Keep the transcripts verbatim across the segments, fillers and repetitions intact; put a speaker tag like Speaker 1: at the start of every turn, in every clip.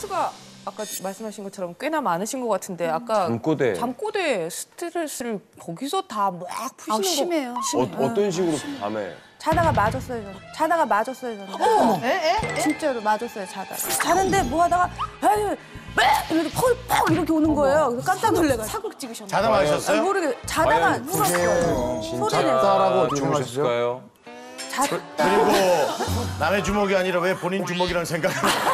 Speaker 1: 스트레스가 아까 말씀하신 것처럼 꽤나 많으신 것 같은데 아까
Speaker 2: 잠꼬대.
Speaker 1: 잠꼬대 스트레스를 거기서 다 막 푸시는
Speaker 3: 아, 심해요.
Speaker 1: 거.
Speaker 3: 심해요.
Speaker 2: 어, 어떤 식으로 밤에?
Speaker 3: 자다가 맞았어요, 저는. 자다가 맞았어요, 저는. 어머! 진짜로 맞았어요, 자다가. 자는데 뭐 하다가 에이, 이렇게 펄 퍽 이렇게 오는 거예요. 그래서 깜짝 놀래가지고.
Speaker 1: 사극 찍으셨나요?
Speaker 4: 자다 마셨어요?
Speaker 3: 모르게 자다가 울었어요. 소리 내서.
Speaker 2: 잤다라고 주무셨을까요?
Speaker 3: 잤다.
Speaker 4: 그리고 남의 주먹이 아니라 왜 본인 주먹이라는 생각을.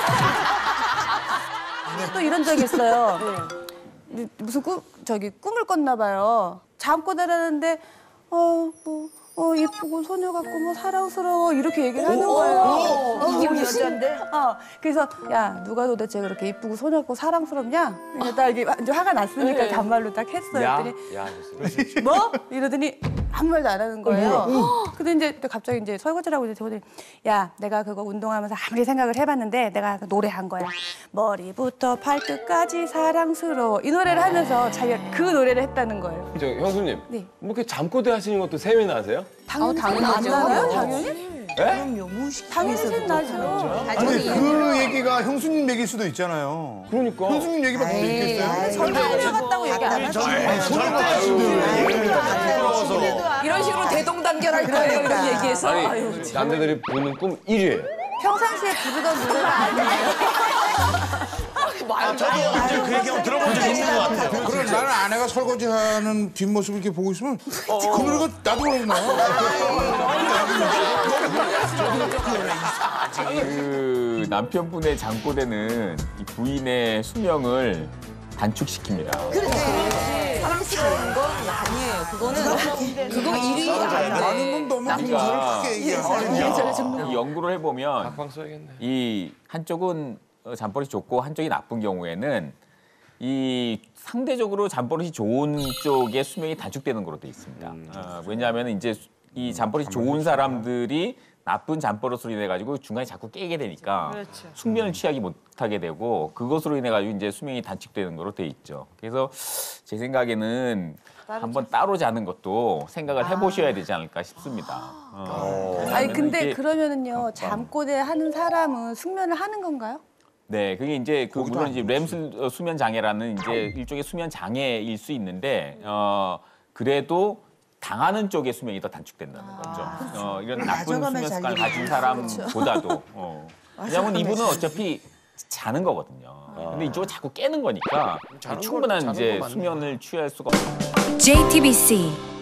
Speaker 3: 또 이런 적이 있어요. 무슨 꿈, 저기 꿈을 꿨나 봐요. 잠꼬 자라는데 어, 뭐, 어, 예쁘고 소녀 같고 뭐 사랑스러워 이렇게 얘기를 하는 거예요. 어, 이게 여잔데? 어, 그래서 야 누가 도대체 그렇게 예쁘고 소녀 같고 사랑스럽냐? 그래서 딱 이게 이제 화가 났으니까
Speaker 1: 네.
Speaker 3: 반말로 딱 했어요.
Speaker 2: 야,
Speaker 3: 그랬더니
Speaker 2: 야,
Speaker 3: 뭐? 이러더니 아무 말도 안 하는 거예요. 근데 이제 또 갑자기 이제 설거지라고 이제 저보더니 야, 내가 그거 운동하면서 아무리 생각을 해봤는데 내가 노래한 거야. 머리부터 발끝까지 사랑스러워. 이 노래를 하면서 자기가 그 노래를 했다는 거예요.
Speaker 2: 저 형수님,
Speaker 3: 네.
Speaker 2: 뭐 이렇게 잠꼬대 하시는 것도 세미나 하세요?
Speaker 3: 당연히 안
Speaker 1: 당연하죠.
Speaker 3: 나요? 당연히?
Speaker 2: 예?
Speaker 3: 당연히 셋 나죠.
Speaker 5: 아니 그 얘기가 형수님 얘기일 수도 있잖아요.
Speaker 2: 그러니까.
Speaker 5: 형수님 얘기밖에 못 있겠어요?
Speaker 3: 설거지 같다고 얘기 안 하죠.
Speaker 1: 이런 식으로 대동단결할 거예요. 이런 얘기해서.
Speaker 2: 아니,
Speaker 1: 아유,
Speaker 2: 남자들이 보는 꿈 일 위예요.
Speaker 3: 평상시에 부르던 노래가 아니에요.
Speaker 4: 아, 저도 이제 그 얘기 한번 들어본 적 있는 것 같아요.
Speaker 5: 그럼 나는 아내가 설거지하는 뒷모습을 이렇게 보고 있으면 그 노래가 나도 그러구나.
Speaker 6: 그 남편분의 잠꼬대는 이 부인의 수명을 단축시킵니다.
Speaker 1: 사랑스러운 건 아니에요. 그거는 그거 일 위 아니에요.
Speaker 5: 많은 건 너무
Speaker 6: 그러니까
Speaker 5: 크게 얘기하는
Speaker 6: 이 연구를 해보면
Speaker 2: 각방 써야겠네.
Speaker 6: 이 한쪽은 잠버릇이 좋고 한쪽이 나쁜 경우에는 이 상대적으로 잠버릇이 좋은 쪽의 수명이 단축되는 거로 돼 있습니다. 어, 왜냐하면 이제 이 잠버릇이 좋은 사람들이 나쁜 잠버릇으로 인해 가지고 중간에 자꾸 깨게 되니까 숙면을 취하기 못하게 되고 그것으로 인해 가지고 이제 수명이 단축되는 거로 돼 있죠. 그래서 제 생각에는 한번 따로 자는 것도 생각을 해보셔야 되지 않을까 싶습니다. 어,
Speaker 3: 아니 근데
Speaker 6: 이게-
Speaker 3: 그러면은요 잠꼬대 하는 사람은 숙면을 하는 건가요?
Speaker 6: 네, 그게 이제 그 물론 이제 렘 수- 수면 장애라는 이제 일종의 수면 장애일 수 있는데 어 그래도 당하는 쪽의 수명이 더 단축된다는 거죠. 어, 이런 나쁜 수면 습관을 가진 사람보다도. 어. 왜냐하면 이분은 어차피 자는 거거든요. 근데 이쪽은 자꾸 깨는 거니까 충분한 이제 수면을 취할 수가 없어요.
Speaker 7: 제이티비씨